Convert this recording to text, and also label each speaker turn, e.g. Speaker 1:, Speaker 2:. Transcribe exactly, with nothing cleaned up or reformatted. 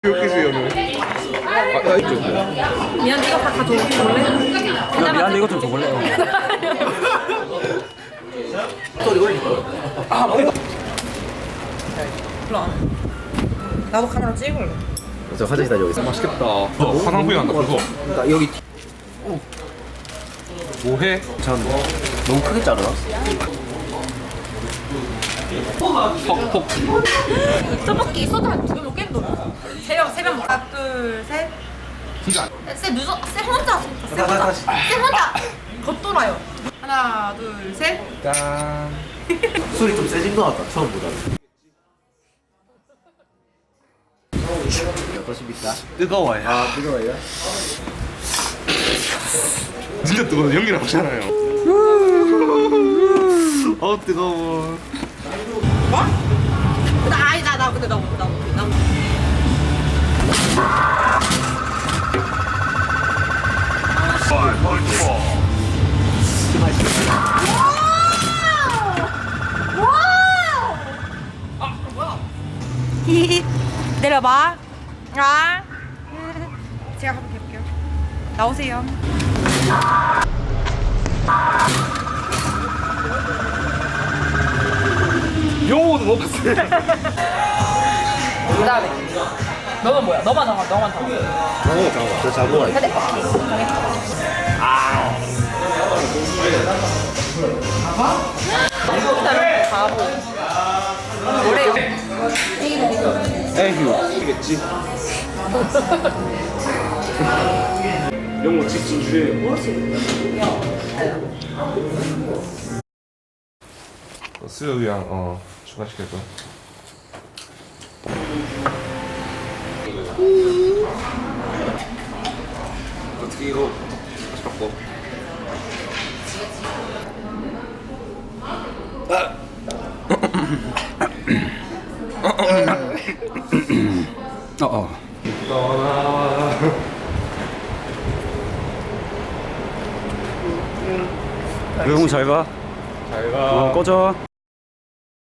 Speaker 1: 웃기지 오늘. 아, 이쪽.
Speaker 2: 미안, 이거 다 가져올래?
Speaker 3: 야, 미안한데 이것 좀 줘볼래?
Speaker 1: 소리 올릴 거. 아, 머리가.
Speaker 2: 일로 와. 나도 카메라 찍을래.
Speaker 1: 저 화장실 다녀오겠습니다. 맛있겠다. 어, 화장품이 난다. 그거. 그러니까 여기. 어. 뭐해? 참 너무 크게 자르나? 퍽퍽.
Speaker 2: 떡볶이 소주 한두개 먹겠노. 세명 세명 먹. 하나 둘 셋.
Speaker 1: 진짜.
Speaker 2: 쌤 늦어. 쌤 혼자. 쌤 혼자. 쌤 혼자. 겉돌아요. 하나 둘 셋.
Speaker 1: 짠. 술이 좀 세진 것 같다. 처음보다. 어떠십니까? 뜨거워요. 아 뜨거워요? 진짜 뜨거워. 연기 나오잖아요. 어 뜨거워.
Speaker 2: 뭐? 나 아니 나나 근데 나나 나. 나. 히히 내려봐. 아 제가 한번 해볼게요. 나오세요.
Speaker 1: 영어도 못 봤어요.
Speaker 2: 그 다음에 너는 뭐야? 너만 정하. 너만 정하.
Speaker 1: 어 잠깐만. 저 잡으러 갈게.
Speaker 2: 헤드바퀴 정했어. 아 일단 바보. 뭐래요?
Speaker 1: 에휴. 이겠지. 영어 직진 주예요. 수요일이랑 어 추가시킬 거야. 어떻게 이거 다시 바꿔?
Speaker 3: 어, 어.
Speaker 1: 떠나.
Speaker 3: 그래, 형 잘 가.
Speaker 1: 잘 가.
Speaker 3: 어, 꺼져.